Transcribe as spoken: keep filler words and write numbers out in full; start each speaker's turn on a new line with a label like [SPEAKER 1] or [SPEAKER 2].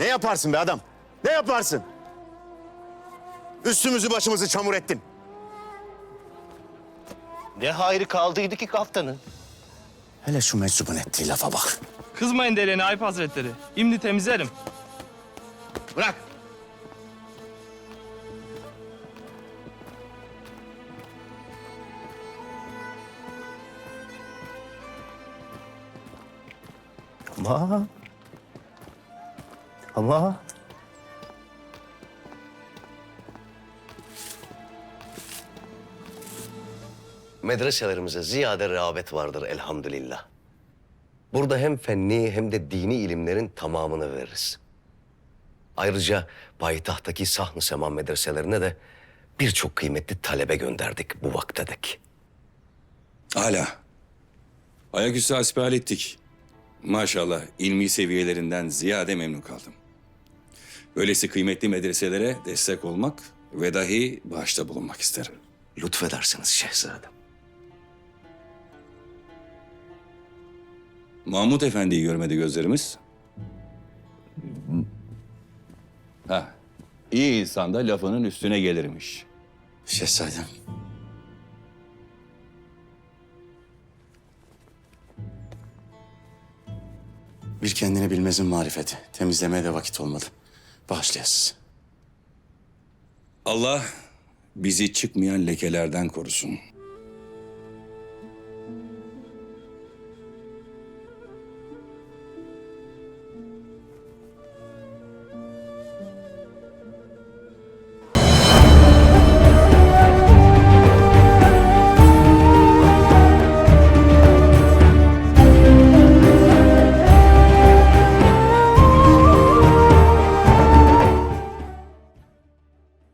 [SPEAKER 1] Ne yaparsın be adam? Ne yaparsın? Üstümüzü başımızı çamur ettin.
[SPEAKER 2] Ne hayrı kaldıydı ki kaftanın?
[SPEAKER 1] Hele şu meczubun ettiği lafa bak.
[SPEAKER 3] Kızmayın derene Ayıp Hazretleri. İmdi temizlerim.
[SPEAKER 1] Bırak.
[SPEAKER 2] Ama... Ama... Medreselerimize ziyade rağbet vardır elhamdülillah. Burada hem fenni hem de dini ilimlerin tamamını veririz. Ayrıca payitahttaki Sahn-ı Seman medreselerine de birçok kıymetli talebe gönderdik bu vaktedek.
[SPEAKER 4] Hala. Ayaküstü hasbihal ettik. Maşallah ilmi seviyelerinden ziyade memnun kaldım. Böylesi kıymetli medreselere destek olmak ve dahi bağışta bulunmak isterim.
[SPEAKER 2] Lütfedersiniz şehzadem.
[SPEAKER 4] Mahmut Efendi'yi görmedi gözlerimiz. Ha, iyi insan da lafının üstüne gelirmiş.
[SPEAKER 1] Şehzadem. Bir kendini bilmezin marifeti. Temizlemeye de vakit olmadı. Bağışlayasız.
[SPEAKER 4] Allah bizi çıkmayan lekelerden korusun.